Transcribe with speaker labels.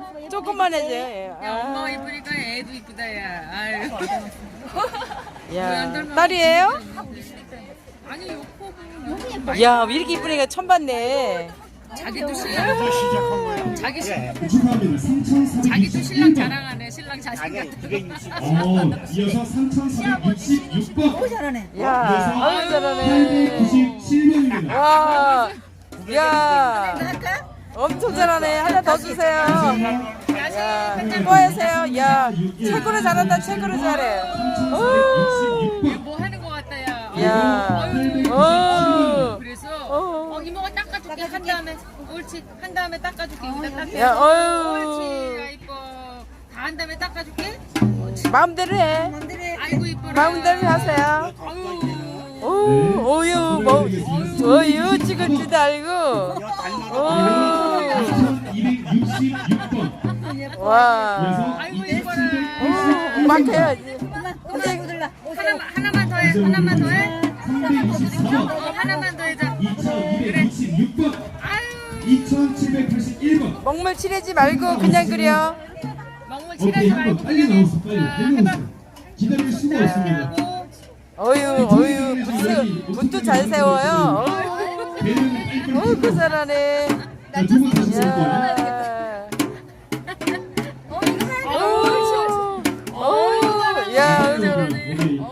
Speaker 1: 조금만 해줘.
Speaker 2: 야, 엄마가 이쁘니까 애도 이쁘다, 야. 아유.
Speaker 1: 야, 딸이에요?
Speaker 2: 아니, 요코.
Speaker 1: 야, 이렇게 이쁘니까 처음 봤네.
Speaker 2: 자기도 신랑.
Speaker 3: 시작한 거야.
Speaker 2: 자기도 신랑 자랑하네, 신랑 자신
Speaker 3: 아니야,
Speaker 2: 같은
Speaker 3: 260.
Speaker 4: 이어서 3,466번.
Speaker 5: 잘하네.
Speaker 1: 야, 아유, 잘하네.
Speaker 4: 897번입니다.
Speaker 1: 와, 야, 엄청 잘하네. 하나 더 주세요. 야, 수고하세요. 야, 최고로 잘한다, 최고로 잘해. 오,
Speaker 2: 뭐 하는 거 같다, 야.
Speaker 1: 야,
Speaker 2: 아유,
Speaker 1: 오,
Speaker 2: 그래서, 이모가 닦아줄게. 한 다음에, 옳지. 한 다음에 닦아줄게. 여기다 닦게.
Speaker 1: 야,
Speaker 2: 옳지.
Speaker 1: 어유,
Speaker 2: 아, 이뻐. 다 한 다음에 닦아줄게.
Speaker 1: 마음대로 해.
Speaker 2: 아이고, 이뻐라.
Speaker 1: 마음대로 하세요.
Speaker 2: 아유.
Speaker 1: 오, 오유, 뭐, 오유 찍을 줄도 알고. 오,
Speaker 4: 2,266번.
Speaker 1: 와,
Speaker 2: 아이고, 이뻐라.
Speaker 1: 오, 막 해야지.
Speaker 2: 하나만 더 해. 하나만 더 해.
Speaker 4: 324번.
Speaker 2: 하나만 더 해자.
Speaker 4: 2,266번.
Speaker 2: 아유.
Speaker 4: 2,781번.
Speaker 1: 먹물 칠하지 말고 그냥 그려.
Speaker 2: 먹물
Speaker 4: 오케이,
Speaker 2: 칠하지
Speaker 4: 한번
Speaker 2: 말고
Speaker 4: 빨리
Speaker 2: 그냥
Speaker 4: 나오세요. 빨리. 빨리
Speaker 2: 해봐.
Speaker 4: 나오세요. 기다릴 수가 없습니다.
Speaker 1: 어유, 어유, 붓도 잘 세워요.
Speaker 4: 배는 빨리
Speaker 1: 어유, 그 잘하네.
Speaker 4: 자, 두 번째
Speaker 1: 야.
Speaker 4: 볼게요.